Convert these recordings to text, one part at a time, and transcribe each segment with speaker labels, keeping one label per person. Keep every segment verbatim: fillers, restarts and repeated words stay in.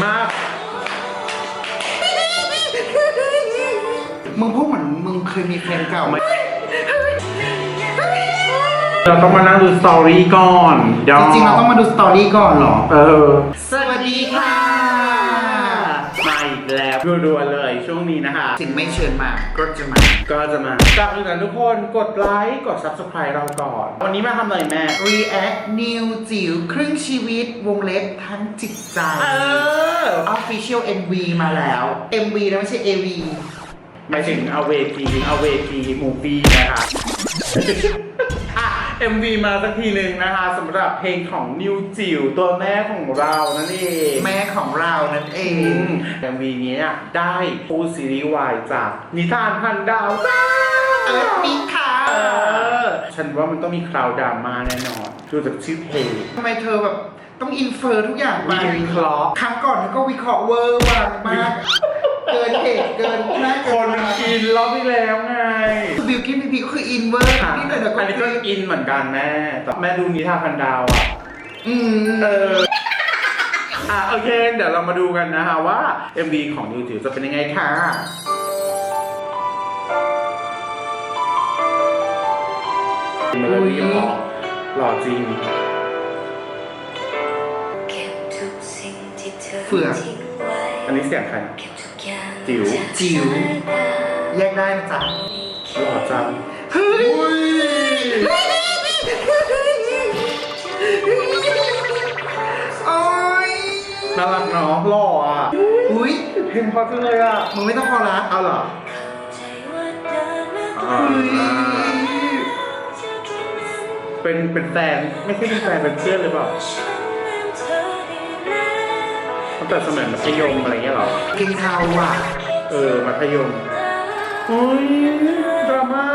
Speaker 1: มาก
Speaker 2: มึงพูดเหมือนมึงเคยมีแฟนเก่าไหม
Speaker 1: เราต้องมานั่งดูสตอรี่ก่อน
Speaker 2: จริงๆเราต้องมาดูสตอรี่ก่อนเหรอ
Speaker 1: เออ
Speaker 2: สวัสดีค่ะ
Speaker 1: มาอีกแล้วรัวๆเลยช่วงนี้นะคะ
Speaker 2: สิ่งไม่เชิญมาก็จะมา
Speaker 1: ก็จะมาจากอื่นนะทุกคนกดไลค์กด ซับสไครบ์ เราก่อนวันนี้มาทำอะไรแม่
Speaker 2: React New จิ๋วครึ่งชีวิตวงเล็บทั้งจิตใจ
Speaker 1: เออ
Speaker 2: Official เอ็ม วี มาแล้ว เอ็ม วี นะไม่ใช่ เอ วี
Speaker 1: หมายถึงเอาเวทีเอาเวทีมูฟี่นะคะอ่ะ เอ็ม วี มาสักทีหนึ่งนะคะสำหรับเพลงของนิวจิ๋วตัวแม่ของเรานั่นเอง
Speaker 2: แม่ของเรานั่นเอง
Speaker 1: เอ็ม วี นี้ได้ปูซีรีส์วายจากนิทานพันดาวจ้า
Speaker 2: เออมีค่ะเอ
Speaker 1: อฉันว่ามันต้องมีคราวดราม่าแน่นอนดูจากชื่อเพลง
Speaker 2: ทำไมเธอแบบต้องอินเฟอร์ทุกอย่างไป
Speaker 1: วิเคราะห์
Speaker 2: ครั้งก่อนเธอก็วิเคราะห์เวอร์วังมากเกินเหตุเกินหน้า
Speaker 1: คนมันอินรอบที่แล้วไง
Speaker 2: บิวกิ้นพีพีก็คืออินเวอร์
Speaker 1: นี่แต่อันนี้ก็อินเหมือนกันแม่แต่แม่ดูนิทานพันดาวอ่ะ
Speaker 2: อืม
Speaker 1: เอออ่ะโอเคเดี๋ยวเรามาดูกันนะคะว่า เอ็ม วี ของนิวจิ๋วจะเป็นยังไงค่ะเมโลดี้หล่อหล่อจริง
Speaker 2: เฟื่อง
Speaker 1: อันนี้เสียงใครจิ๋ว
Speaker 2: จิ๋วแยกได้นะจ๊ะ
Speaker 1: หล่อจัง
Speaker 2: เฮ้ยโอ้ย
Speaker 1: น่ารักเนาะหล่ออ่ะ
Speaker 2: อุ้ย
Speaker 1: เพลงพอจังเลยอ่ะ
Speaker 2: มึงไม่ต้องคอรัส
Speaker 1: เอาเหรอเป็นเป็นแฟนไม่ใช่เป็นแฟนเป็นเพื่อนหรือเปล่าตั้งแต่สมัยมัธยมอะไรเงี้ยหรอ
Speaker 2: เก่งเทาอ่ะ
Speaker 1: เออมัธยมโอ้ยดราม่า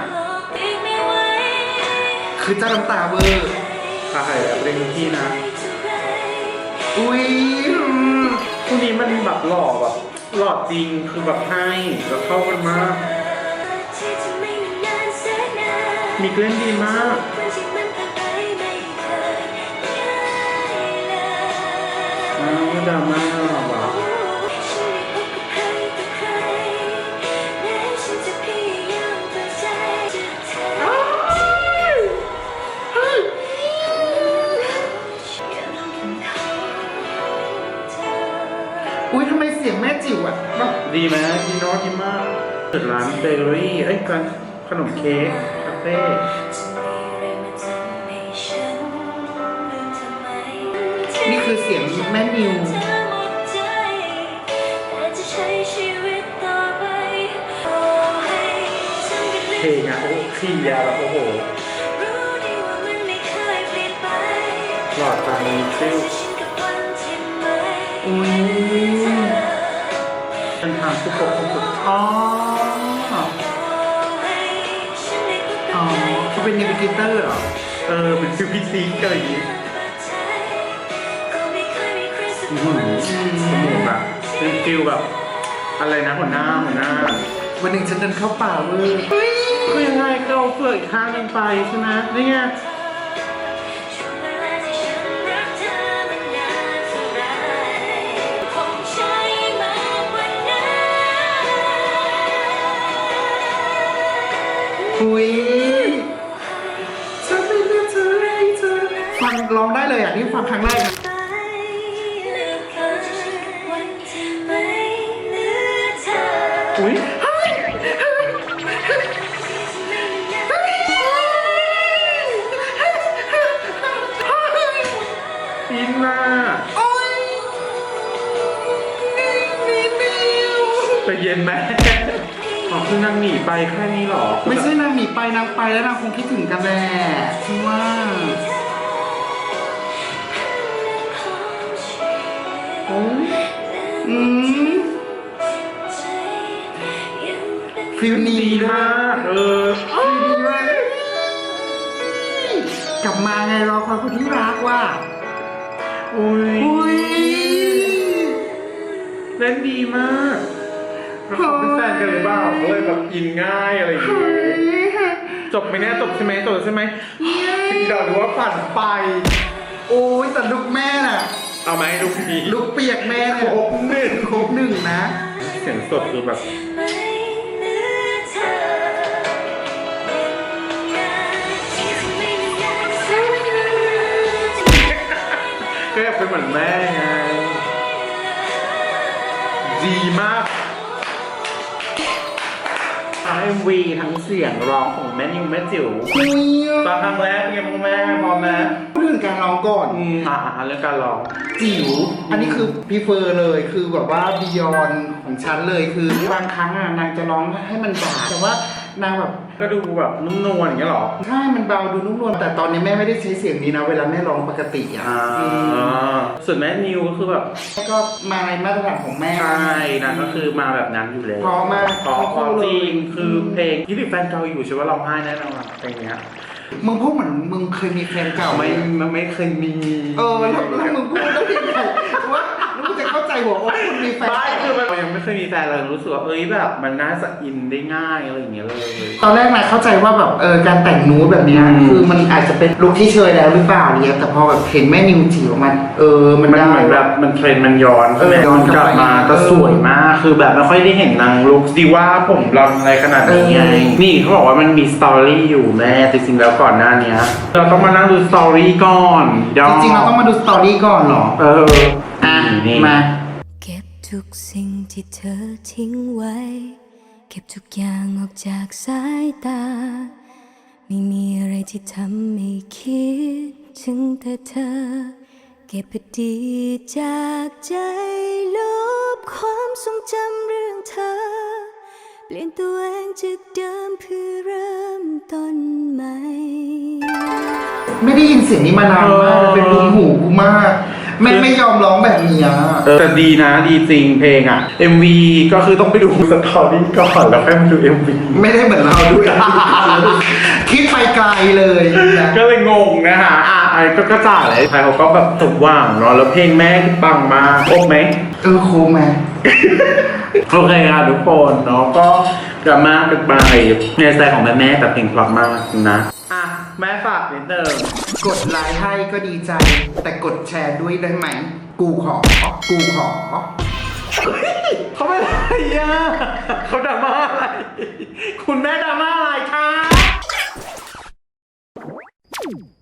Speaker 2: คือเจ้าน้ำตาเวอร์
Speaker 1: ถ่ายแบบเร่งที่นะ
Speaker 2: อุ้ย
Speaker 1: คู่นี้มันแบบหล่อแบบหล่อจริงคือแบบให้แล้วเข้ากันมากมีเล่นดีมากอ้าวดราม่าว่ะ
Speaker 2: อุ้ยทำไมเสียงแม่จิ๋วอ่ะ
Speaker 1: ดีไหมดีโน้ตดีมากเปิดร้านเบเกอรี่เอ้ยร้านขนมเค้กคาเฟ่
Speaker 2: นี่คือเสียงแม่นิว
Speaker 1: เพลงอะโอ้ขี้ยาแบบโอ้โหหลอดตามีซิล
Speaker 2: อุ้ย
Speaker 1: เป็นทางสุขภาพสุดอ๋อ
Speaker 2: อ๋อเขาเป็นเนวิเกเตอร์เหรอ
Speaker 1: เออเป็นฟิวพิซีอะไรอย่างงี้อืมสมุนแบบเป็นฟิลแบบอะไรนะหัวหน้าหัวหน้า
Speaker 2: วันหนึ่งฉันเดินเข้าป่าเว้ย
Speaker 1: คือยังไงก็เอาเฟือกอีกข้างหนึ่งไปใช่ไหมนี่ไง
Speaker 2: อุ้ยฉันเป็นเธอเธอฟังร้องได้เลยอ่ะนี่ฟังครั้งแรกนะ
Speaker 1: อุ้ยอินน่ะแต่เย็นไหมอ๋อคือนางหนีไปแค่นี้หรอ
Speaker 2: ไม่ใช่นางหนีไปนางไปแล้วนางคงคิดถึงกันแหละที่ว่า
Speaker 1: โอ้ย
Speaker 2: อืมฟิลดีมาก
Speaker 1: เออ
Speaker 2: ฟิลดีมากกลับมาไงรอความคนที่รักว่ะ
Speaker 1: อุ้ย
Speaker 2: อุ้ย
Speaker 1: เล่นดีมากเขาเป็นแฟนกันหรือเปล่าเลยแบบอินง่ายอะไรอย่างเงี้ยจบไหมเนี่ยจบใช่ไหมจบใช่ไหมเราดูว่าฝันไป
Speaker 2: โอ้ยแต่ลูกแม่น่ะ
Speaker 1: เอาไหมลูกนี้
Speaker 2: ลูกเปียกแม่เนี่ย
Speaker 1: ครบหนึ่ง
Speaker 2: ครบหนึ่งนะ
Speaker 1: เสียงสดคือแบบก็อยากเป็นเหมือนแม่ไงดีมากทั้ง เอ็ม วี ทั้งเสียงร้องของแม่นิวแม่จิ๋วตอนครั้งแรกเป็นไงบ้างแม่พร้อมไหม
Speaker 2: พูดถึงการร้องก่อน
Speaker 1: อืมอ่าเรื่องการร้อง
Speaker 2: จิ๋วอันนี้คือพีเฟอร์เลยคือแบบว่าบียอนของฉันเลยคือบางครั้งอ่ะนางจะร้องให้มันบาดแต่ว่านางแบบ
Speaker 1: ก็ดูแบบนุ่มนวลอย่างเงี้ยหรอ
Speaker 2: ใช่มันเบาดูนุ่มนวลแต่ตอนนี้แม่ไม่ได้ใช้เสียงนี้นะเวลาแม่ร้องปกติอ่ะ
Speaker 1: อ่าส่วนแม่นิวก็คือแบบ
Speaker 2: ก็มาในมาตรฐานของแม่
Speaker 1: ใช่นะก็คือมาแบบนั้นอยู่แล้ว
Speaker 2: เพราะมาก
Speaker 1: เพราะเพราะจริงคือ
Speaker 2: ม
Speaker 1: เพลงที่ติดแฟนเก่าอยู่ใช่ว่าร้องไห้แน่นอนเพลงเนี้ย
Speaker 2: มึงพูดเหมือนมึงเคยมีแฟนเก่า
Speaker 1: ไม่ไม่ไม่เคยมี
Speaker 2: เออแล้วแล้วมึงพูดได้ยังไงว่าแล้วมึงจะเข้าใจหัวอกคนมีแฟน
Speaker 1: ไม่คือมันยังไม่เคยมีแฟนเลยรู้สึกว่าเอ้ยแบบมันน่าจะอินได้ง่ายอะไรอย่างเงี้ยเลย
Speaker 2: ตอนแรกนะเข้าใจว่าแบบเออการแต่งนูดแบบเนี้ย
Speaker 1: อืม
Speaker 2: คือมันอาจจะเป็นลุคที่เชยแล้วหรือเปล่าเนี่ยแต่พอแบบเห็นแม่นิวจิ๋วมันเออมัน
Speaker 1: มัน
Speaker 2: ได้
Speaker 1: เหมือนแบบมันเทรนด์มันย้อน
Speaker 2: เออย้อน
Speaker 1: กลับมา
Speaker 2: เออ
Speaker 1: แต่สวยมากคือแบบไม่ค่อยได้เห็นนางลุคดีว่าผมรอนอะไรขนาดนี้ไง
Speaker 2: เออ
Speaker 1: นี่เขาบอกว่ามันมีสตอรี่อยู่แม่แต่จริงๆแล้วก่อนหน้านี้เราต้องมานั่งดูสตอรี่ก่อนดอ
Speaker 2: จริงๆเราต้องมาดูสตอรี่ก่อนเหรอ
Speaker 1: เออ
Speaker 2: อ่ะ
Speaker 1: นี่
Speaker 2: มา
Speaker 3: เก็บทุกสิ่งที่เธอทิ้งไว้ เก็บทุกอย่างออกจากสายตา ไม่มีอะไรที่ทำให้คิดถึงแต่เธอ เก็บอดีตจากใจลบความทรงจำเรื่องเธอ เปลี่ยนตัวเองจากเดิมเพื่อเริ่มต้นใหม่
Speaker 2: ไม่ได้ยินเสียงนี้มานานมากเป็นบุญหูกูมากแม่ไม่ยอมร้องแบบนี้อะ
Speaker 1: เออแต่ดีนะดีจริงเพลงอ่ะ เอ็ม วี ก็คือต้องไปดูสตอรี่ก่อนแล้วค่อยมาดู เอ็ม วี
Speaker 2: ไม่ได้เหมือนเราด้วย คิดไปไกลเลยนะ
Speaker 1: ก็เลยงงนะฮะอ่ะไอ้ก็กระจ่างเลยไทยเขาก็แบบสมหว่างเนาะแล้วเพลงแม่ปังมากครบไหม
Speaker 2: เออโคมไหม
Speaker 1: โอเคค่ะทุกคนเนาะก็ดราม่ากันไปในสไตล์ของแม่แม่แบบเพลงเพราะมากนะอ่ะแม่ฝากนิดนึง
Speaker 2: กดไลค์ให้ก็ดีใจ แต่กดแชร์ด้วยได้ไหม กูขอ กูขอ
Speaker 1: เขาไม่อะไรอ่ะเขาดราม่าอะไร คุณแม่ดราม่าอะไรคะ